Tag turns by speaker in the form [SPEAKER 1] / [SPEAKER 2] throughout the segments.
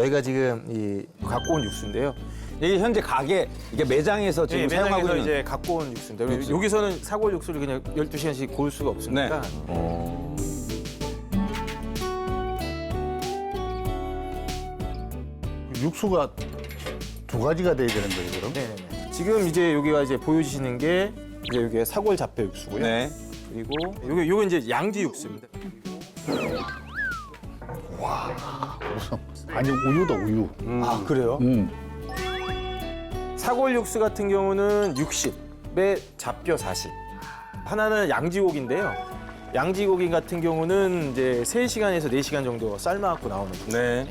[SPEAKER 1] 저희가 지금 이 갖고 온 육수인데요.
[SPEAKER 2] 이게 현재 가게, 이게 매장에서 지금 사용하고
[SPEAKER 1] 매장에서
[SPEAKER 2] 있는.
[SPEAKER 1] 이제 갖고 온 육수인데 여기서는 사골 육수를 그냥 12시간씩 고을 수가 없으니까
[SPEAKER 3] 육수가 두 가지가 돼야 되는 거예요, 그럼?
[SPEAKER 1] 네네네. 지금 이제 여기가 이제 보여주시는 게 이제 여기가 사골 잡채 육수고요.
[SPEAKER 2] 네.
[SPEAKER 1] 그리고 요거 이제 양지 육수입니다.
[SPEAKER 3] 무슨 아니 우유다 우유.
[SPEAKER 1] 아 그래요? 사골 육수 같은 경우는 60에 잡뼈 40. 하나는 양지고기인데요. 양지고기 같은 경우는 이제 3시간에서 4시간 정도 삶아갖고 나오는 거죠.
[SPEAKER 2] 네.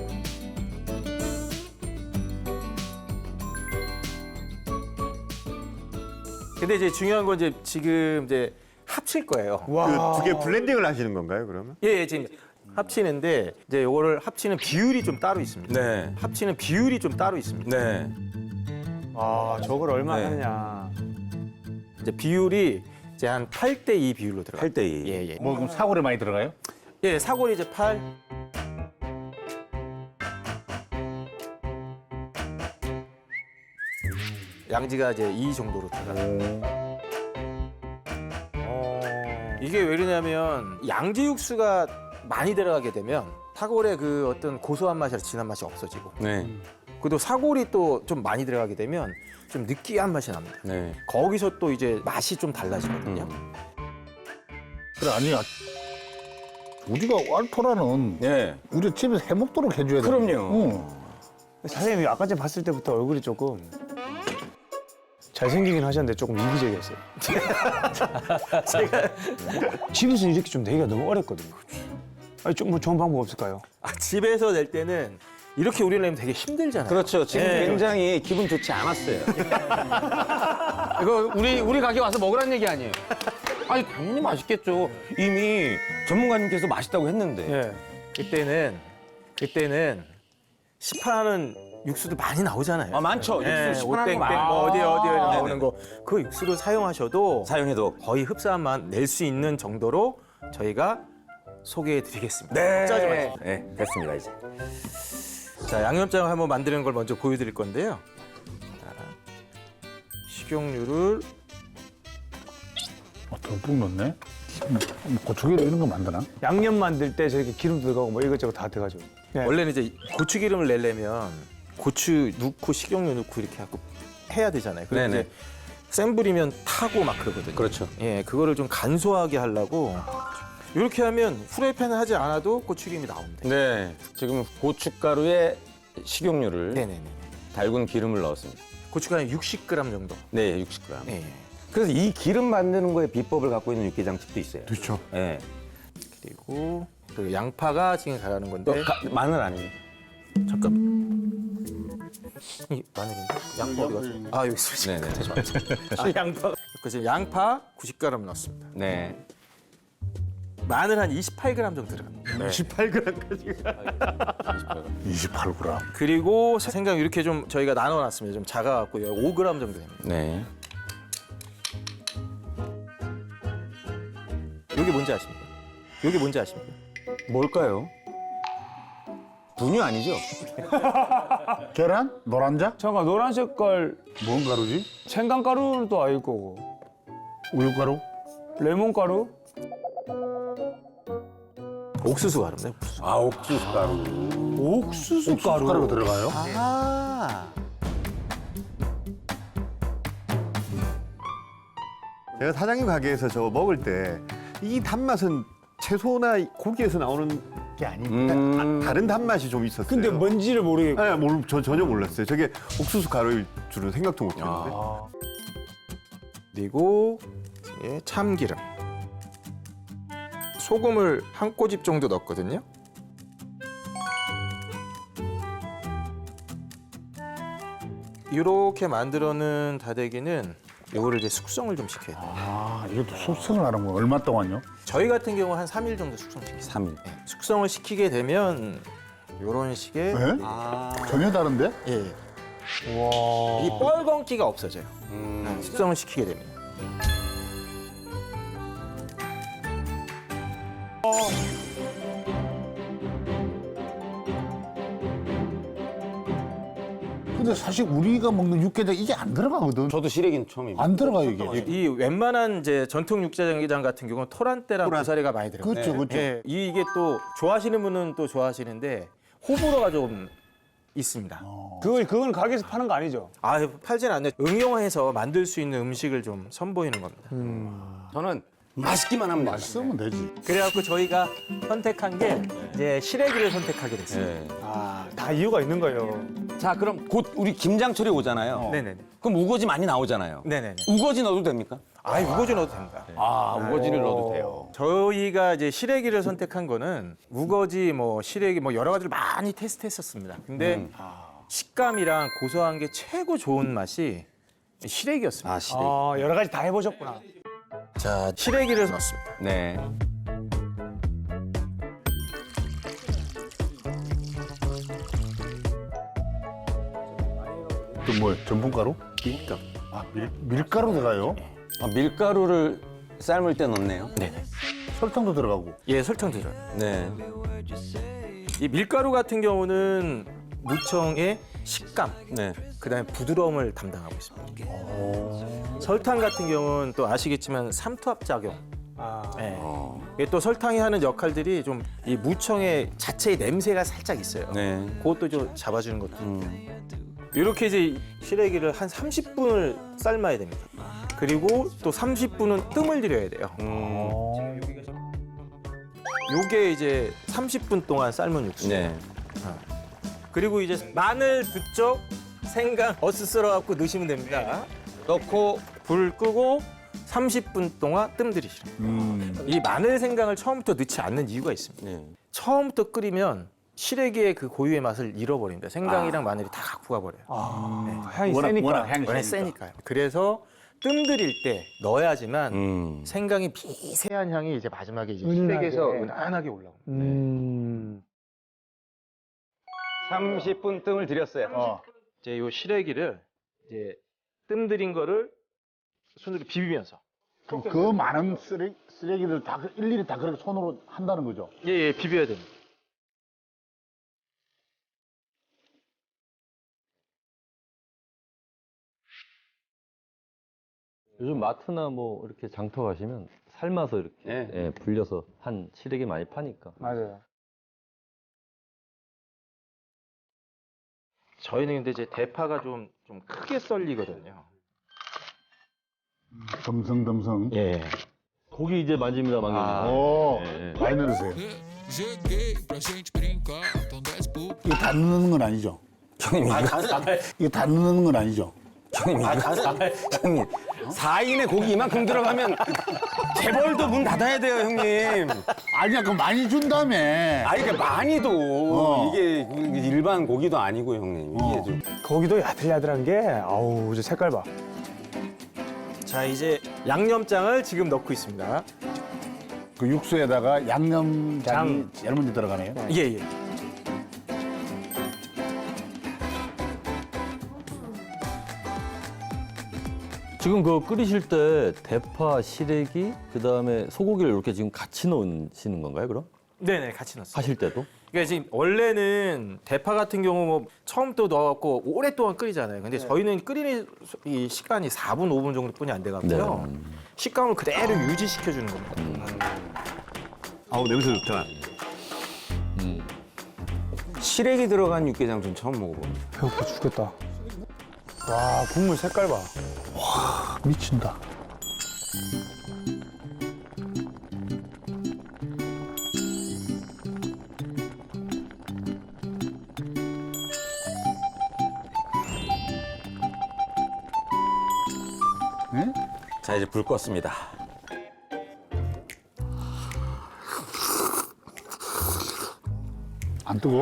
[SPEAKER 1] 근데 이제 중요한 건 이제 지금 이제 합칠 거예요.
[SPEAKER 4] 그 두 개 블렌딩을 하시는 건가요, 그러면?
[SPEAKER 1] 예, 지금 합치는데 이제 요거를 합치는 비율이 좀 따로 있습니다.
[SPEAKER 2] 네.
[SPEAKER 1] 합치는 비율이 좀 따로 있습니다.
[SPEAKER 2] 네.
[SPEAKER 5] 아, 저걸 얼마
[SPEAKER 2] 네.
[SPEAKER 5] 하느냐.
[SPEAKER 1] 이제 비율이 이제 한 8대2 비율로 들어가요.
[SPEAKER 2] 8대2.
[SPEAKER 1] 예, 예.
[SPEAKER 3] 뭐 그럼 사골에 많이 들어가요?
[SPEAKER 1] 예, 사골이 이제 8. 양지가 이제 2 정도로 들어가요. 이게 왜 그러냐면 양지 육수가 많이 들어가게 되면 사골의 그 어떤 고소한 맛이나 진한 맛이 없어지고
[SPEAKER 2] 네.
[SPEAKER 1] 그리고 사골이 또 좀 많이 들어가게 되면 좀 느끼한 맛이 납니다.
[SPEAKER 2] 네.
[SPEAKER 1] 거기서 또 이제 맛이 좀 달라지거든요.
[SPEAKER 3] 그래 아니야. 우리가 알토라는
[SPEAKER 2] 네.
[SPEAKER 3] 우리 집에서 해 먹도록 해줘야 돼.
[SPEAKER 2] 그럼요.
[SPEAKER 5] 사장님이 아까 전에 봤을 때부터 얼굴이 조금 잘생기긴 하셨는데 조금 이기적이었어요. 제가 집에서 이렇게 좀 내기가 너무 어렵거든요. 아니, 좀 뭐 좋은 방법 없을까요?
[SPEAKER 1] 아, 집에서 낼 때는 이렇게 우리를 내면 되게 힘들잖아요.
[SPEAKER 2] 그렇죠. 지금
[SPEAKER 1] 네.
[SPEAKER 2] 굉장히 기분 좋지 않았어요.
[SPEAKER 6] 이거 우리 가게 와서 먹으라는 얘기 아니에요?
[SPEAKER 2] 아니, 당연히 맛있겠죠. 이미 전문가님께서 맛있다고 했는데.
[SPEAKER 5] 예.
[SPEAKER 1] 그때는 시판하는 육수도 많이 나오잖아요.
[SPEAKER 2] 아, 많죠.
[SPEAKER 1] 예,
[SPEAKER 2] 육수 시판하는
[SPEAKER 1] 오땡땡
[SPEAKER 2] 거 많아요.
[SPEAKER 1] 뭐 어디에 나오는
[SPEAKER 2] 네네.
[SPEAKER 1] 거 그 육수를 사용하셔도
[SPEAKER 2] 사용해도.
[SPEAKER 1] 거의 흡사한 맛 낼 수 있는 정도로 저희가 소개해드리겠습니다.
[SPEAKER 2] 네.
[SPEAKER 1] 짜지 마세요.
[SPEAKER 2] 네, 됐습니다, 이제.
[SPEAKER 1] 자, 양념장을 한번 만드는 걸 먼저 보여드릴 건데요. 자, 식용유를
[SPEAKER 3] 듬뿍 넣네. 고추기름 이런 거 만드나?
[SPEAKER 5] 양념 만들 때 저렇게 기름도 들어가고 뭐 이것저것 다 들어가죠. 예.
[SPEAKER 1] 원래는 이제 고추기름을 내려면 고추 넣고 식용유 넣고 이렇게 하고 해야 되잖아요. 그래서
[SPEAKER 2] 네네.
[SPEAKER 1] 이제 센 불이면 타고 막 그러거든요.
[SPEAKER 2] 그렇죠.
[SPEAKER 1] 예, 그거를 좀 간소하게 하려고 이렇게 하면 프라이팬을 하지 않아도 고추기름이 나옵니다.
[SPEAKER 2] 네. 지금 고춧가루에 식용유를
[SPEAKER 1] 네네네.
[SPEAKER 2] 달군 기름을 넣었습니다.
[SPEAKER 1] 고춧가루 60g 정도.
[SPEAKER 2] 네, 60g.
[SPEAKER 1] 예.
[SPEAKER 2] 그래서 이 기름 만드는 거에 비법을 갖고 있는 육개장집도 있어요.
[SPEAKER 3] 그렇죠.
[SPEAKER 2] 네.
[SPEAKER 1] 그리고 양파가 지금 가라는 건데
[SPEAKER 2] 마늘 아니에요?
[SPEAKER 1] 잠깐. 이 마늘인데 양파 어디 갔어? 아 여기 있습니다.
[SPEAKER 2] 네네.
[SPEAKER 1] 아, 양파. 그래서 양파 90g 넣었습니다.
[SPEAKER 2] 네.
[SPEAKER 1] 마늘 한 28g 정도 들어갑니다.
[SPEAKER 3] 28g.
[SPEAKER 1] 그리고 생강 이렇게 좀 저희가 나눠놨습니다. 좀 작아갖고요. 5g 정도 됩니다.
[SPEAKER 2] 네.
[SPEAKER 1] 여기 뭔지 아십니까? 여기 뭔지 아십니까?
[SPEAKER 2] 뭘까요? 분유 아니죠?
[SPEAKER 3] 계란? 노란자?
[SPEAKER 5] 잠깐 노란 색깔
[SPEAKER 3] 뭔 가루지?
[SPEAKER 5] 생강가루는 또 아닐 거고
[SPEAKER 3] 우유가루?
[SPEAKER 5] 레몬가루?
[SPEAKER 1] 옥수수 가루인데. 옥수수.
[SPEAKER 2] 아, 옥수수 가루.
[SPEAKER 5] 옥수수 가루.
[SPEAKER 3] 가루가 들어가요?
[SPEAKER 1] 아.
[SPEAKER 4] 제가 사장님 가게에서 저거 먹을 때 이 단맛은 채소나 고기에서 나오는 게 아닌데 다른 단맛이 좀 있었어요.
[SPEAKER 5] 근데 뭔지를 모르겠고.
[SPEAKER 4] 네, 저 전혀 몰랐어요. 저게 옥수수 가루일 줄은 생각도 못했는데.
[SPEAKER 1] 그리고 예, 참기름. 소금을 한 꼬집 정도 넣었거든요. 이렇게 만들어 놓은 다대기는 요거를 이제 숙성을 좀 시켜야 돼요.
[SPEAKER 3] 아, 이것도 숙성을 하는 거 얼마 동안요?
[SPEAKER 1] 저희 같은 경우 한 3일 정도 숙성시켜요.
[SPEAKER 2] 3일.
[SPEAKER 1] 숙성을 시키게 되면 요런 식의
[SPEAKER 3] 네? 전혀 다른데?
[SPEAKER 1] 예. 이 뻘건기가 없어져요. 숙성을 시키게 되면.
[SPEAKER 3] 근데 사실 우리가 먹는 육개장 이게 안 들어가거든.
[SPEAKER 2] 저도 시래기는 처음입니다.
[SPEAKER 3] 안 들어가 이게.
[SPEAKER 1] 이 웬만한 이제 전통 육개장 같은 경우는 토란대랑 고사리가 많이 들어가요.
[SPEAKER 3] 그렇죠, 그렇죠.
[SPEAKER 1] 예, 이게 또 좋아하시는 분은 또 좋아하시는데 호불호가 좀 있습니다.
[SPEAKER 5] 그건 가게에서 파는 거 아니죠?
[SPEAKER 1] 아, 팔진 않네. 응용해서 만들 수 있는 음식을 좀 선보이는 겁니다.
[SPEAKER 2] 저는 맛있기만 하면 됩니다.
[SPEAKER 3] 맛있으면 되지.
[SPEAKER 1] 그래갖고 저희가 선택한 게 이제 시래기를 선택하게 됐어요.
[SPEAKER 2] 네.
[SPEAKER 5] 다 이유가 있는 거예요.
[SPEAKER 2] 자, 그럼 곧 우리 김장철이 오잖아요.
[SPEAKER 1] 네네네.
[SPEAKER 2] 그럼 우거지 많이 나오잖아요.
[SPEAKER 1] 네네네.
[SPEAKER 2] 우거지 넣어도 됩니까?
[SPEAKER 1] 아, 우거지 넣어도 됩니다.
[SPEAKER 2] 아, 우거지를 넣어도 돼요.
[SPEAKER 1] 저희가 이제 시래기를 선택한 거는 우거지, 뭐 시래기, 뭐 여러 가지를 많이 테스트했었습니다. 근데 식감이랑 고소한 게 최고 좋은 맛이 시래기였습니다.
[SPEAKER 2] 아, 시래기.
[SPEAKER 5] 여러 가지 다 해보셨구나.
[SPEAKER 1] 자, 시래기를 넣습니다.
[SPEAKER 2] 네.
[SPEAKER 3] 또 뭐 전분가루?
[SPEAKER 1] 밀가루.
[SPEAKER 3] 아, 밀가루 들어가요?
[SPEAKER 2] 아, 밀가루를 삶을 때 넣네요.
[SPEAKER 1] 네네.
[SPEAKER 3] 설탕도 들어가고.
[SPEAKER 1] 예, 설탕 들어요.
[SPEAKER 2] 네.
[SPEAKER 1] 이 밀가루 같은 경우는 무청의 식감,
[SPEAKER 2] 네.
[SPEAKER 1] 그다음에 부드러움을 담당하고 있습니다. 설탕 같은 경우는 또 아시겠지만 삼투압 작용. 예. 이게 또 설탕이 하는 역할들이 좀 이 무청의 자체의 냄새가 살짝 있어요.
[SPEAKER 2] 네.
[SPEAKER 1] 그것도 좀 잡아주는 것도. 이렇게 이제 시래기를 한 30분을 삶아야 됩니다. 그리고 또 30분은 뜸을 들여야 돼요. 요게 이제 30분 동안 삶은 육수.
[SPEAKER 2] 네.
[SPEAKER 1] 그리고 이제 마늘, 부쩍, 생강, 어슷 썰어갖고 넣으시면 됩니다. 넣고 불 끄고 30분 동안 뜸 들이시는. 이 마늘, 생강을 처음부터 넣지 않는 이유가 있습니다.
[SPEAKER 2] 네.
[SPEAKER 1] 처음부터 끓이면 시래기의 그 고유의 맛을 잃어버립니다. 생강이랑 마늘이 다 갖고 가버려요.
[SPEAKER 5] 향이 세니까.
[SPEAKER 3] 워낙 향이
[SPEAKER 1] 워낙 세니까요. 그래서 뜸 들일 때 넣어야지만 생강이 미세한 향이 이제 마지막에 이제 시래기에서 은은하게 올라옵니다.
[SPEAKER 2] 30분 뜸을 들였어요.
[SPEAKER 1] 이제 요 시래기를 이제 뜸 들인 거를 손으로 비비면서
[SPEAKER 3] 그럼 그 많은 쓰레기를 다 일일이 다 그렇게 손으로 한다는 거죠?
[SPEAKER 1] 예, 비벼야 됩니다.
[SPEAKER 7] 요즘 마트나 뭐 이렇게 장터 가시면 삶아서 이렇게
[SPEAKER 2] 네.
[SPEAKER 7] 예, 불려서 한 시래기 많이 파니까.
[SPEAKER 5] 맞아요.
[SPEAKER 1] 저희는 근데 이제 대파가 좀 크게 썰리거든요.
[SPEAKER 3] 덤성덤성.
[SPEAKER 1] 예.
[SPEAKER 7] 고기 이제 만집니다, 만기님.
[SPEAKER 3] 오,
[SPEAKER 7] 예, 예.
[SPEAKER 3] 많이 넣으세요.
[SPEAKER 8] Cheguei pra gente brincar, então desce pro
[SPEAKER 3] 이거 다 넣는 건 아니죠?
[SPEAKER 2] 형님,
[SPEAKER 3] 이거 다 넣는 건 아니죠?
[SPEAKER 2] 형님, 형님. 4인의 고기 이만큼 들어가면 재벌도 문 닫아야 돼요, 형님.
[SPEAKER 3] 아니야, 그거 많이 준다며.
[SPEAKER 2] 아니, 그러니까 많이도 이게 일반 고기도 아니고, 형님. 이게 좀.
[SPEAKER 5] 고기도 야들야들한 게, 아우, 저 색깔 봐.
[SPEAKER 1] 자, 이제 양념장을 지금 넣고 있습니다.
[SPEAKER 3] 그 육수에다가 양념장이 제일 먼저 들어가네요.
[SPEAKER 1] 예, 예.
[SPEAKER 7] 지금 그 끓이실 때 대파, 시래기, 그다음에 소고기를 이렇게 지금 같이 넣으시는 건가요, 그럼?
[SPEAKER 1] 네네, 같이 넣었어요.
[SPEAKER 7] 하실 때도?
[SPEAKER 1] 그러니까 지금 원래는 대파 같은 경우 뭐 처음부터 넣어갖고 오랫동안 끓이잖아요. 근데 저희는 끓이는 이 시간이 4분, 5분 정도뿐이 안 돼갖고요. 식감을 그대로 유지시켜주는 겁니다.
[SPEAKER 4] 아우, 냄새 좋다.
[SPEAKER 2] 시래기 들어간 육개장 좀 처음 먹어봅니다.
[SPEAKER 5] 배고파 죽겠다. 와, 국물 색깔 봐.
[SPEAKER 3] 미친다. 네?
[SPEAKER 2] 자, 이제 불 껐습니다.
[SPEAKER 3] 안 뜨거?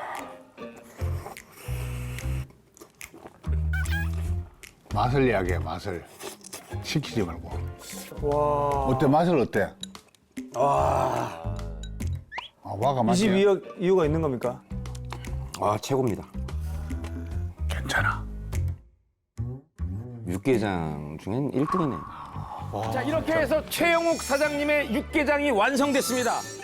[SPEAKER 3] 맛을 이야기해, 맛을. 시키지 말고.
[SPEAKER 5] 와.
[SPEAKER 3] 어때, 맛을 어때? 와가
[SPEAKER 5] 이
[SPEAKER 3] 맛이야.
[SPEAKER 5] 집 이유가 있는 겁니까?
[SPEAKER 2] 아, 최고입니다.
[SPEAKER 3] 괜찮아.
[SPEAKER 2] 육개장 중엔 1등이네요. 자, 이렇게 해서 최영욱 사장님의 육개장이 완성됐습니다.